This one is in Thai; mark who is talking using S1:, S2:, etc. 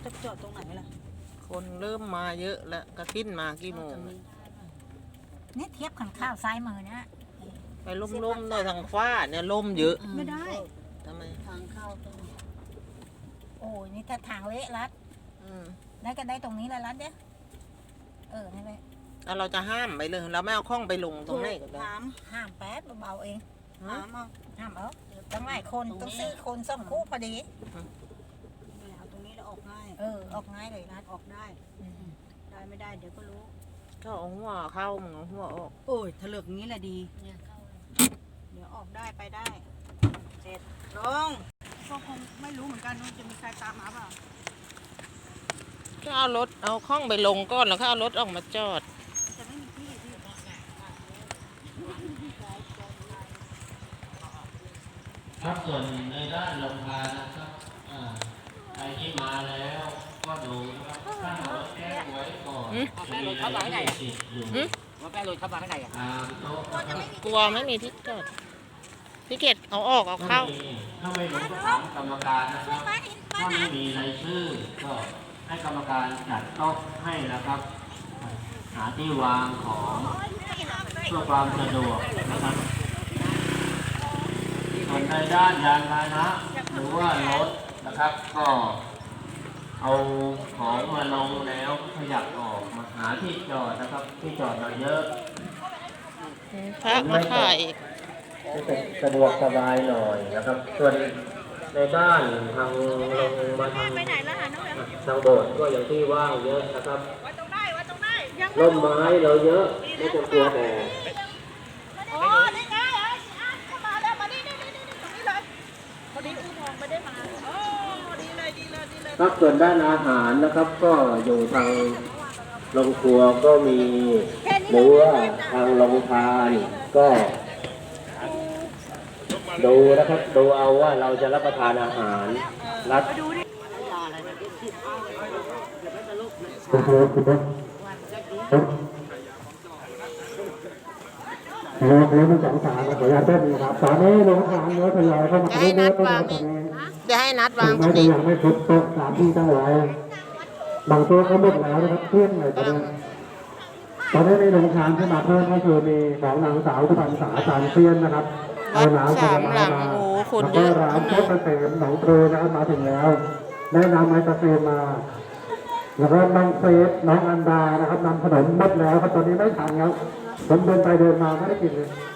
S1: จะจอดตรงไหนล่ะ
S2: คนเริ่มมาเยอะแล้วกระทิ้นมากี่โมง
S3: นี่เทียบขันข้าวซ้ายมือเนี่ย
S2: ไปล่มๆหน่อยทางฟ้าเนี่ยล่มเยอะ
S1: ไม่ได้
S2: ทำไม
S1: ทางเข้าตรง
S3: โอ้ยนี่ถ้าทางเละรัดได้ก็ได้ตรงนี้แล้วรัดเนี่ยนี่เลย
S2: แล้วเราจะห้ามไปเลยเราไม่เอาข้องไปลงตรงไหนก็ได้
S3: ห้ามแป๊บเบาๆเอง
S1: ห้าม
S3: ต้องหลายคนต้อง4 คน2 คู่พอดี
S1: เอาตรงนี้แล้วออกง่าย
S3: ออกง่ายเลยรัด
S1: ออกได้ได้ไม่ได้เดี๋ยวก็รู้
S2: ก็เอาหัวเข้ามึงเอาหัวออก
S1: โอ้ยถลึกงี้แหละดีเดี๋ยวออกได้ไปได้เสร็จลงก็คงไม่รู้เหมือนกันว่าจะมีใครตามมาเปล่า
S2: ก็เอารถเอาข้องไปลงก่อนแล้วก็เอารถออกมาจอด
S1: จะไม่มีที่
S4: ครับส่วนในด้านลงทานนะครับใครที่มาแล้วก็ดูนะครับถ้ารถแก้ไว้ก่อน
S5: แป้รถเข้ามาข้างในว่าแป้รถเข้ามาข้างใน
S2: กลัวไม่มีที่จอดพี่เกดเอาออกเอาเข้า
S4: ถ้าไม่รู้ก็ถามกรรมการนะครับถ้าไม่มีรายชื่อก็ให้กรรมการจัดโต๊ะให้นะครับหาที่วางของเพื่อความสะดวกนะครับส่วนในด้านยานพาหนะหรือว่ารถนะครับก็เอาของมาลงแล้วขยับออกมาหาที่จอดนะครับที่จอดเราเยอะ
S2: พระมาถ่าย
S4: สะดวกสบายหน่อยนะครับส่วนในบ้านทางลงมาทางโบสถ์ก็อย่างที่ว่างเยอะนะครับร่มไม้เราเยอะไม่ต้องกลัวแดดครับส่วนด้านอาหารนะครับก็อยู่ทางโรงครัวก็มีหรือว่าทางโรงทานก็ดูนะครับดูเอาว่าเราจะรับประทานอาหารรัดแล้วมัน2 3ขออนุญาตเพิ่มนะครับตอนนี้โรงทานเนื้อทยอยเข้ามาเรื่อยๆ
S2: จะให้นัดวาง
S4: ไม่ได้ยังไม่ครบโต๊ะ3 ที่ตั้งไว้บางตัวเขาหมดแล้วนะครับเพื่อนหน่อยตอนนี้ในโรงทานที่มาเพิ่มก็คือมีของนางสาวทุพันษาสารเพี้ยนนะครับ
S2: วัด3 หลังโอ้คนเยอะ
S4: ร้านโคตรเกษมหนองปลือนะครับมาถึงแล้วได้นำไม้ตะเกียบมาแล้วก็น้องเฟสน้องอันดานะครับนำขนมหมดแล้วครับตอนนี้ไม่ทันครับผมเดินไปเดินมาไม่ได้กินเลย